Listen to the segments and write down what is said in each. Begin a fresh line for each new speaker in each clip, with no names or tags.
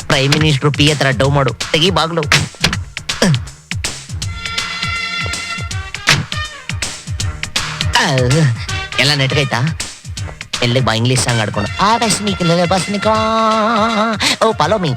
Prime minister P ಹತ್ರ ಡೌ ಮಾಡು, ತೆಗಿ ಬಾಗ್ಲು. ಎಲ್ಲ ನೆಟ್ಗೈತಾ? ಎಲ್ಲಿಗೆ ಬಾ, ಇಂಗ್ಲಿಷ್ ಸಾಂಗ್ ಆಡ್ಕೊಂಡು ಓ ಫಾಲೋ ಮೀ.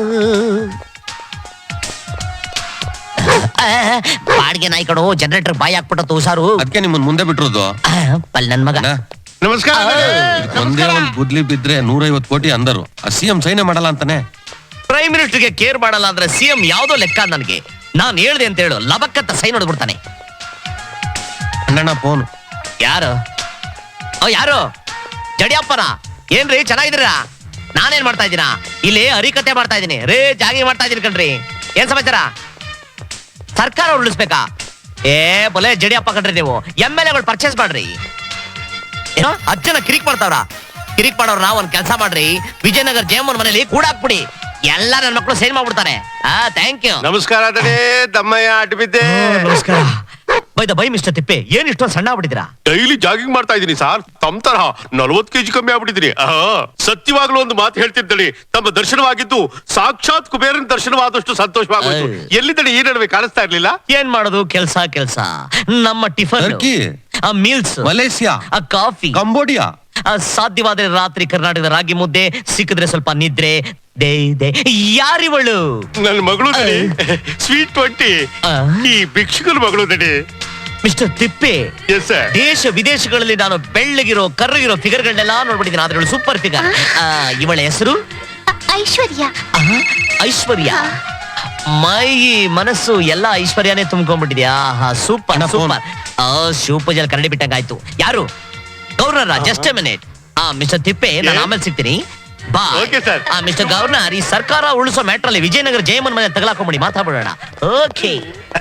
ಬಾಡಿಗೆ ನಾಯಿ ಕಣೋ, ಜನರೇಟರ್ ಬಾಯಿ ಹಾಕ್ಬಿಟ್ಟು ಹುಷಾರು.
ಅದಕ್ಕೆ ನಿಮ್ಮನ್ ಮುಂದೆ ಬಿಟ್ಟಿರೋದು.
ಪಲ್ ನನ್ ಮಗ.
ನಮಸ್ಕಾರ.
ಒಂದೇ ಒಂದ್ ಬುದ್ಲಿ ಬಿದ್ರೆ 150 ಕೋಟಿ ಅಂದರು. ಸಿಎಂ ಸೈನ್ಯ ಮಾಡಲ್ಲ ಅಂತಾನೆ.
ಪ್ರೈಮ್ ಮಿನಿಸ್ಟರ್ಗೆ ಕೇರ್ ಮಾಡಲ್ಲ ಅಂದ್ರೆ ಸಿಎಂ ಯಾವ್ದೋ ಲೆಕ್ಕ ನನಗೆ. ನಾನ್ ಹೇಳ್ದೆ ಅಂತ ಹೇಳು, ಲಬಕ್ಕತ್ತ ಸೈನ್ ಹೊಡ್ಬಿಡ್ತಾನೆ.
ಅಣ್ಣಣ್ಣ ಫೋನ್.
ಯಾರು? ಯಾರು? ಜಡಿಯಪ್ಪನ? ಏನ್ರಿ ಚೆನ್ನಾಗಿದ್ದೀರಾ? ನಾನೇನ್ ಮಾಡ್ತಾ ಇದ್ದೀನ ಇಲ್ಲಿ? ಹರಿಕತೆ ಮಾಡ್ತಾ ಇದ್ದೀನಿ ರೇ, ಜಾಗಿ ಮಾಡ್ತಾ ಇದೀನಿ ಕಣ್ರಿ. ಏನ್ ಸಮಾಚಾರ? ಸರ್ಕಾರ ಉಳಿಸ್ಬೇಕಾ? ಬೊಲೆ ಜಡಿಯಪ್ಪ ಕಣ್ರಿ, ನೀವು MLAಗಳು ಪರ್ಚೇಸ್ ಮಾಡ್ರಿ. ಏನೋ ಅಜ್ಜನ ಕಿರಿಕ್ ಮಾಡ್ತಾವ್ರ? ಕಿರಿಕ್ ಮಾಡೋರ್ ನಾವ್ ಒಂದ್ ಕೆಲಸ ಮಾಡ್ರಿ, ವಿಜಯನಗರ ಜಯಮ್ಮನ್ ಮನೇಲಿ ಕೂಡಾಕ್ಬಿಡಿ, ಎಲ್ಲ ನನ್ನ ಮಕ್ಕಳು ಸೈನ್ ಮಾಡ್ಬಿಡ್ತಾರೆ. Thank you.
ನಮಸ್ಕಾರ ದಮ್ಮಯ್ಯ, ಅಡ್ಬಿದ್ದೆ.
ನಮಸ್ಕಾರ. ಬೈ ಮಿಸ್ಟರ್ ತಿಪ್ಪೆ, ಏನ್ ಇಷ್ಟೊಂದು ಸಣ್ಣ ಆಗ್ಬಿಟ್ಟಿದ್ದೀರಾ?
ಡೈಲಿ ಜಾಗಿಂಗ್ ಮಾಡ್ತಾ ಇದೀನಿ ಸರ್. ತಮ್ಮ ತರಹ 40 kg ಕಮ್ಮಿ ಆಗ್ಬಿಟ್ಟಿದೀನಿ. ಸತ್ಯವಾಗ್ಲೂ ಒಂದು ಮಾತು ಹೇಳ್ತಿದ್ದಳಿ, ತಮ್ಮ ದರ್ಶನವಾಗಿದ್ದು ಸಾಕ್ಷಾತ್ ಕುಬೇರನ ದರ್ಶನವಾದಷ್ಟು ಸಂತೋಷವಾಗೋಯ್ತು. ಎಲ್ಲಿದ್ದಳಿ ಈ ನಡುವೆ ಕಾಣಿಸ್ತಾ ಇರ್ಲಿಲ್ಲ?
ಏನ್ ಮಾಡೋದು, ಕೆಲ್ಸ. ನಮ್ಮ tiffin, meals,
Malaysia,
coffee,
Cambodia,
ಸಾಧ್ಯವಾದ್ರೆ ರಾತ್ರಿ ಕರ್ನಾಟಕದ ರಾಗಿ ಮುದ್ದೆ, ಸಿಕ್ಕಿದ್ರೆ ಸ್ವಲ್ಪ ನಿದ್ರೆ. ಯಾರಿವಳು?
ನನ್ನ ಮಗಳು ಸ್ವೀಟ್ 20. ಈ ಭಿಕ್ಷುಕನ ಮಗಳು
ಮಿಸ್ಟರ್ ತಿಪ್ಪೆ,
ಎಸ್ ಸರ್.
ದೇಶ ವಿದೇಶಗಳಲ್ಲಿ ನಾನು ಬೆಳ್ಳಗಿರೋ ಕರ್ರಗಿರೋ ಫಿಗರ್ಗಳನ್ನೆಲ್ಲ ನೋಡ್ಬಿಟ್ಟಿದ್ದೀನಿ, ಆದ್ರೆ ಸೂಪರ್ ಫಿಗರ್. ಇವಳ ಹೆಸರು
ಐಶ್ವರ್ಯ.
ಐಶ್ವರ್ಯ. ಮೈ ಮನಸ್ಸು ಎಲ್ಲ ಐಶ್ವರ್ಯನೇ ತುಂಬ್ಕೊಂಡ್ಬಿಟ್ಟಿದ್ಯಾ? Super super. ಶಿವಪೂಜೆಯಲ್ಲಿ ಕರಡಿ ಬಿಟ್ಟಂಗಾಯ್ತು. ಯಾರು? Governor. Just a minute. Mister Tippe, ನಾನು ಆಮೇಲೆ ಸಿಗ್ತೀನಿ. ಬಾ. ಮಿಸ್ಟರ್ ಗವರ್ನರ್, ಈ ಸರ್ಕಾರ ಉಳಿಸೋ ಮ್ಯಾಟ್ರಲ್ಲಿ ವಿಜಯನಗರ ಜಯಮ್ಮನ್ ಮನೆ ತಗಲಾಕೊಂಬಿಡಿ, ಮಾತಾಡೋಣ. ಓಕೆ.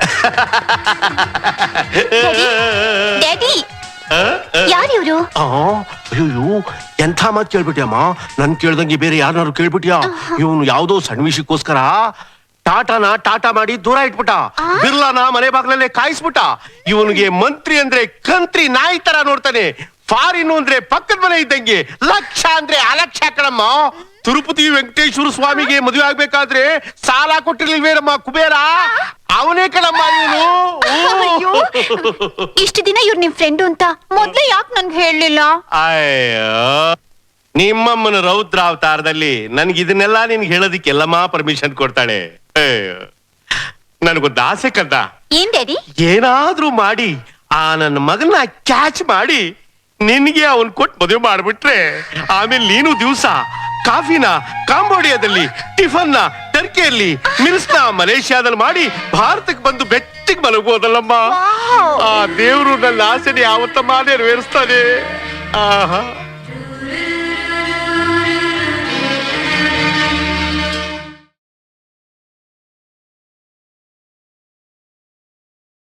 ಡ್ಯಾಡಿ, ಯಾರಿವ್ರು?
ಅಯ್ಯೋ, ಎಂಥ ಮಾತು ಕೇಳ್ಬಿಟ್ಯಮ್ಮ. ನನ್ ಕೇಳ್ದಂಗೆ ಬೇರೆ ಯಾರನ್ನಾರು ಕೇಳ್ಬಿಟ್ಯಾ? ಇವನು ಯಾವ್ದೋ ಸಣ್ಣ ವಿಷಯಕ್ಕೋಸ್ಕರ ಟಾಟಾ ಮಾಡಿ ದೂರ ಇಟ್ಬಿಟ್ಟ. ಬಿರ್ಲಾನ ಮನೆ ಬಾಗ್ಲಲ್ಲೇ ಕಾಯಿಸ್ಬಿಟ್ಟ. ಇವನಿಗೆ ಮಂತ್ರಿ ಅಂದ್ರೆ ಕಂತ್ರಿ ನಾಯಿ ತರ ನೋಡ್ತಾನೆ. ಫಾರಿನ್ ಅಂದ್ರೆ ಪಕ್ಕದ ಮನೆ ಇದ್ದಂಗೆ, ಲಕ್ಷ ಅಂದ್ರೆ ಅಲಕ್ಷ ಕಣಮ್ಮ. ತಿರುಪತಿ ವೆಂಕಟೇಶ್ವರ ಸ್ವಾಮಿಗೆ ಮದುವೆ ಆಗ್ಬೇಕಾದ್ರೆ ಸಾಲ ಕೊಟ್ಟಿರ್ಲಿಲ್ವೇನಮ್ಮ ಕುಬೇರ? ಅವನೇ ಕಣಮ್ಮ ಇವನು.
ಇಷ್ಟು ದಿನ ಇವ್ರು ನಿಮ್ ಫ್ರೆಂಡು ಅಂತ ಮೊದ್ಲೇ ಯಾಕೆ ನನ್ಗೆ ಹೇಳಲಿಲ್ಲ?
ಅಯ್ಯೋ, ನಿಮ್ಮಮ್ಮನ ರೌದ್ರ ಅವತಾರದಲ್ಲಿ ನನ್ಗೆ ಇದನ್ನೆಲ್ಲ ನಿನ್ಗೆ ಹೇಳೋದಿಕ್ಕೆಲ್ಲಮ್ಮ ಪರ್ಮಿಷನ್ ಕೊಡ್ತಾಳೆ. ನನ್ಗೊಂದು ಆಸೆ ಕಂದ.
ಏನ್ ಡ್ಯಾಡಿ?
ಏನಾದ್ರೂ ಮಾಡಿ ಆ ನನ್ನ ಮಗನ ಕ್ಯಾಚ್ ಮಾಡಿ ನಿನ್ಗೆ ಅವನ್ ಕೊಟ್ಟು ಮದುವೆ ಮಾಡ್ಬಿಟ್ರೆ, ಆಮೇಲೆ ನೀನು ದಿವಸ ಕಾಫಿನ ಕಾಂಬೋಡಿಯಾದಲ್ಲಿ, ಟಿಫನ್ನ ಟರ್ಕಿಯಲ್ಲಿ, ಮಿಲ್ಸ್ನ ಮಲೇಷಿಯಾದಲ್ಲಿ ಮಾಡಿ ಭಾರತಕ್ಕೆ ಬಂದು ಬೆಟ್ಟಿಗೆ ಮಲಗೋದಲ್ಲಮ್ಮ. ಆ ದೇವ್ರು ನನ್ನ ಆಸೆನೆ ಯಾವತ್ತಮ್ಮ ನೆರವೇರಿಸ್ತಾನೆ. ಆಹಾ.